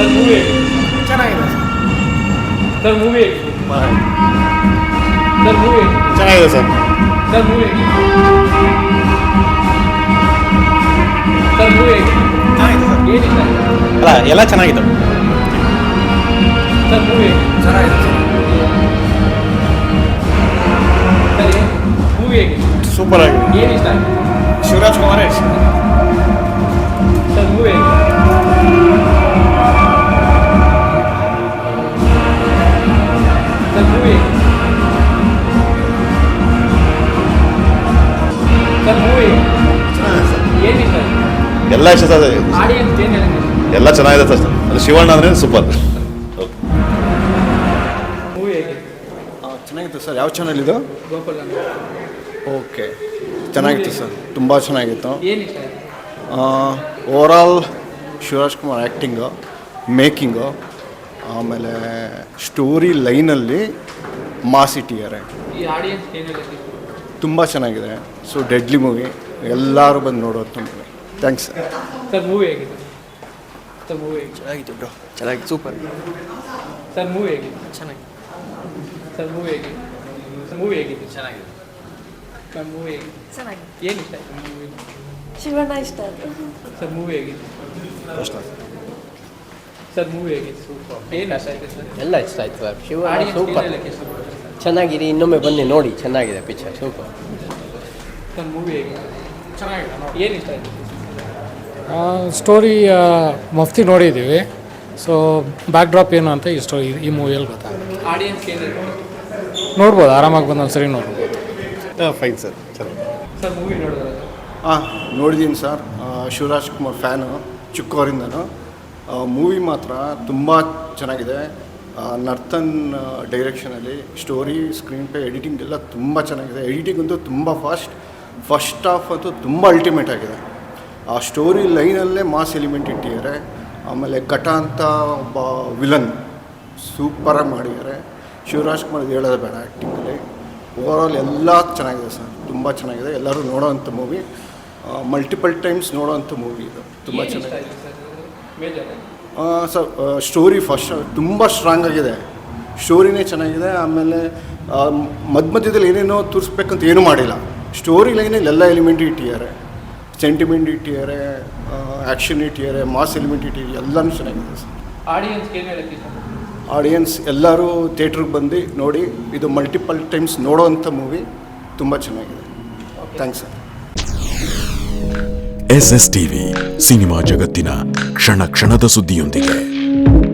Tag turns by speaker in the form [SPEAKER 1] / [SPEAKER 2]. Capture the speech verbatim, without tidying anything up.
[SPEAKER 1] Sir movie
[SPEAKER 2] ಚೆನ್ನಾಗಿದೆ
[SPEAKER 1] sir movie sir movie
[SPEAKER 2] ಚೆನ್ನಾಗಿದೆ sir
[SPEAKER 1] sir movie sir movie ಏನಿಲ್ಲ
[SPEAKER 2] ಅಲ್ಲ ಎಲ್ಲ ಚೆನ್ನಾಗಿದೆ
[SPEAKER 1] ಸರ್ ಮೂವಿ
[SPEAKER 2] ಚೆನ್ನಾಗಿದೆ
[SPEAKER 1] ಸರ್ ಮೂವಿ ಹೇಗಿದೆ
[SPEAKER 2] ಸೂಪರ್ ಆಗಿದೆ
[SPEAKER 1] ಏನು ಇಷ್ಟ ಆಗಿದೆ
[SPEAKER 2] ಶಿವರಾಜ್ ಕುಮಾರ್ ಇಷ್ಟ
[SPEAKER 1] sir movie sir movie sir movie ಏನು ಇಷ್ಟ ಆಗಿದೆ
[SPEAKER 3] ಎಲ್ಲ ಇಷ್ಟ ಸರ್
[SPEAKER 1] ಆಡಿಯನ್ಸ್ ಏನು ಹೇಳಿದೆ
[SPEAKER 3] ಎಲ್ಲ ಚೆನ್ನಾಗಿದೆ ಸರ್ ಅದು ಶಿವಣ್ಣ ಅಂದರೆ ಸೂಪರ್
[SPEAKER 1] ಮೂವಿ ಹೇಗೆ
[SPEAKER 2] ಚೆನ್ನಾಗಿತ್ತು ಸರ್ ಯಾವ ಚಾನಲ್ ಇದು
[SPEAKER 1] ಗೋಪಾಲ್ ಅಂತ
[SPEAKER 2] ಓಕೆ ಚೆನ್ನಾಗಿತ್ತು ಸರ್ ತುಂಬ ಚೆನ್ನಾಗಿತ್ತು
[SPEAKER 1] ಏನು ಇಷ್ಟ ಆಗಿದೆ
[SPEAKER 2] overall Shivaraj Kumar acting making ಆಮೇಲೆ ಸ್ಟೋರಿ ಲೈನಲ್ಲಿ ಮಾಸ್ ಇಟ್ಟಿದ್ದಾರೆ
[SPEAKER 1] ಈ ಆಡಿಯನ್ಸ್ ಏನು ಹೇಳಕ್ಕೆ
[SPEAKER 2] ತುಂಬ ಚೆನ್ನಾಗಿದೆ ಸೊ ಡೆಡ್ಲಿ ಮೂವಿ ಎಲ್ಲರೂ ಬಂದು ನೋಡೋದು movie thanks sir
[SPEAKER 1] sir movie ಹೇಗಿದೆ ಸರ್ ಮೂವಿ ಹೇಗಿದೆ
[SPEAKER 2] ಚೆನ್ನಾಗಿತ್ತು ಬ್ರೋ ಚೆನ್ನಾಗಿತ್ತು ಸೂಪರ್
[SPEAKER 1] ಸರ್ ಮೂವಿ ಹೇಗಿದೆ
[SPEAKER 2] ಚೆನ್ನಾಗಿ
[SPEAKER 1] ಸರ್ ಮೂವಿ ಹೇಗಿದೆ ಸರ್ ಮೂವಿ ಹೇಗಿದೆ
[SPEAKER 4] ಚೆನ್ನಾಗಿದೆ
[SPEAKER 1] ಸರ್ ಮೂವಿ ಹೇಗಿದೆ
[SPEAKER 5] ಚೆನ್ನಾಗಿದೆ
[SPEAKER 1] ಏನು ಇಷ್ಟ ಆಯಿತು ಮೂವಿ
[SPEAKER 5] ಶಿವಣ್ಣ ಇಷ್ಟ ಆಯ್ತು
[SPEAKER 1] ಸರ್ ಮೂವಿ ಹೇಗಿದೆ ಸರ್ ಮೂವಿ ಹೇಗಿದೆ ಸೂಪರ್ ಏನು ಇಷ್ಟ ಆಯಿತು ಸರ್
[SPEAKER 4] ಎಲ್ಲ ಇಷ್ಟ ಆಯ್ತು ಸರ್ ಶಿವ
[SPEAKER 1] ಆಡಿಯನ್ಸ್
[SPEAKER 4] ಸೂಪರ್
[SPEAKER 1] ಹೇಳಕ್ಕೆ ಇಷ್ಟಪಡ್ತಾರೆ ಸರ್
[SPEAKER 4] ಚೆನ್ನಾಗಿದೆ ಇನ್ನೊಮ್ಮೆ ಬನ್ನಿ ನೋಡಿ ಚೆನ್ನಾಗಿದೆ ಪಿಕ್ಚರ್ ಸೂಪರ್
[SPEAKER 1] ಸರ್ ಮೂವಿ ಹೇಗಿದೆ ಚೆನ್ನಾಗಿದೆ ಏನು ಇಷ್ಟ ಆಯಿತು
[SPEAKER 6] ಸ್ಟೋರಿ ಮಫ್ತಿ ನೋಡಿದ್ದೀವಿ ಸೊ ಬ್ಯಾಕ್ ಡ್ರಾಪ್ ಏನು ಅಂತ ಈ ಸ್ಟೋರಿ ಈ ಮೂವಿಯಲ್ಲಿ ಗೊತ್ತಾಗುತ್ತೆ
[SPEAKER 1] ಆಡಿಯನ್ಸ್ ಏನು ಹೇಳ್ತಾರೆ
[SPEAKER 6] ನೋಡ್ಬೋದು ಆರಾಮಾಗಿ ಬಂದು ಒಂದು ಸರಿ ನೋಡ್ಬೋದು
[SPEAKER 2] ಫೈನ್ ಸರ್ ಚೆನ್ನಾಗಿ
[SPEAKER 6] ಸರ್ ಮೂವಿ ನೋಡಿದ್ರೆ
[SPEAKER 2] ಹಾಂ ನೋಡಿದ್ದೀನಿ ಸರ್ ಶಿವರಾಜ್ ಕುಮಾರ್ ಫ್ಯಾನು ಚಿಕ್ಕವರಿಂದನೂ ಮೂವಿ ಮಾತ್ರ ತುಂಬ ಚೆನ್ನಾಗಿದೆ ನರ್ತನ್ ಡೈರೆಕ್ಷನಲ್ಲಿ ಸ್ಟೋರಿ ಸ್ಕ್ರೀನ್ ಪ್ಲೇ ಎಡಿಟಿಂಗ್ ಎಲ್ಲ ತುಂಬ ಚೆನ್ನಾಗಿದೆ ಎಡಿಟಿಂಗ್ ಅಂತೂ ತುಂಬ ಫಾಸ್ಟ್ ಫಸ್ಟ್ ಹಾಫ್ ಅಂತೂ ತುಂಬ ಅಲ್ಟಿಮೇಟ್ ಆಗಿದೆ ಆ ಸ್ಟೋರಿ ಲೈನಲ್ಲೇ ಮಾಸ್ ಎಲಿಮೆಂಟ್ ಇಟ್ಟಿದ್ದಾರೆ ಆಮೇಲೆ ಘಟ ಅಂತ ಒಬ್ಬ ವಿಲನ್ ಸೂಪರಾಗಿ ಮಾಡಿದ್ದಾರೆ ಶಿವರಾಜ್ ಕುಮಾರ್ ಹೇಳೋದು ಬೇಡ ಆ್ಯಕ್ಟಿಂಗಲ್ಲಿ ಓವರಾಲ್ ಎಲ್ಲ ಚೆನ್ನಾಗಿದೆ ಸರ್ ತುಂಬ ಚೆನ್ನಾಗಿದೆ ಎಲ್ಲರೂ ನೋಡೋವಂಥ ಮೂವಿ ಮಲ್ಟಿಪಲ್ ಟೈಮ್ಸ್ ನೋಡೋವಂಥ ಮೂವಿ ಇದು ತುಂಬ ಚೆನ್ನಾಗಿದೆ ಸರ್ ಸ್ಟೋರಿ ಫಸ್ಟ್ ತುಂಬ ಸ್ಟ್ರಾಂಗ್ ಆಗಿದೆ ಸ್ಟೋರಿನೇ ಚೆನ್ನಾಗಿದೆ ಆಮೇಲೆ ಮಧ್ಯ ಮಧ್ಯದಲ್ಲಿ ಏನೇನೋ ತೋರಿಸ್ಬೇಕಂತ ಏನೂ ಮಾಡಿಲ್ಲ ಸ್ಟೋರಿ ಲೈನಲ್ಲಿ ಎಲ್ಲ ಎಲಿಮೆಂಟ್ ಇಟ್ಟಿದ್ದಾರೆ ಸೆಂಟಿಮೆಂಟ್ ಇಟ್ಟಿದ್ದಾರೆ ಆ್ಯಕ್ಷನ್ ಇಟ್ಟಿದ್ದಾರೆ ಮಾಸ್ ಎಲಿಮೆಂಟ್ ಇಟ್ಟಿದ್ದಾರೆ ಎಲ್ಲನೂ ಚೆನ್ನಾಗಿದೆ ಸರ್
[SPEAKER 1] ಆಡಿಯನ್ಸ್ ಏನು ಹೇಳಕ್ಕೆ ಇಷ್ಟ
[SPEAKER 2] ಆಡಿಯನ್ಸ್ ಎಲ್ಲರೂ ಥಿಯೇಟ್ರಿಗೆ ಬಂದು ನೋಡಿ ಇದು ಮಲ್ಟಿಪಲ್ ಟೈಮ್ಸ್ ನೋಡೋವಂಥ ಮೂವಿ ತುಂಬ ಚೆನ್ನಾಗಿದೆ thanks sir
[SPEAKER 7] S S TV cinema ಜಗತ್ತಿನ ಕ್ಷಣ ಕ್ಷಣದ ಸುದ್ದಿಯೊಂದಿಗೆ.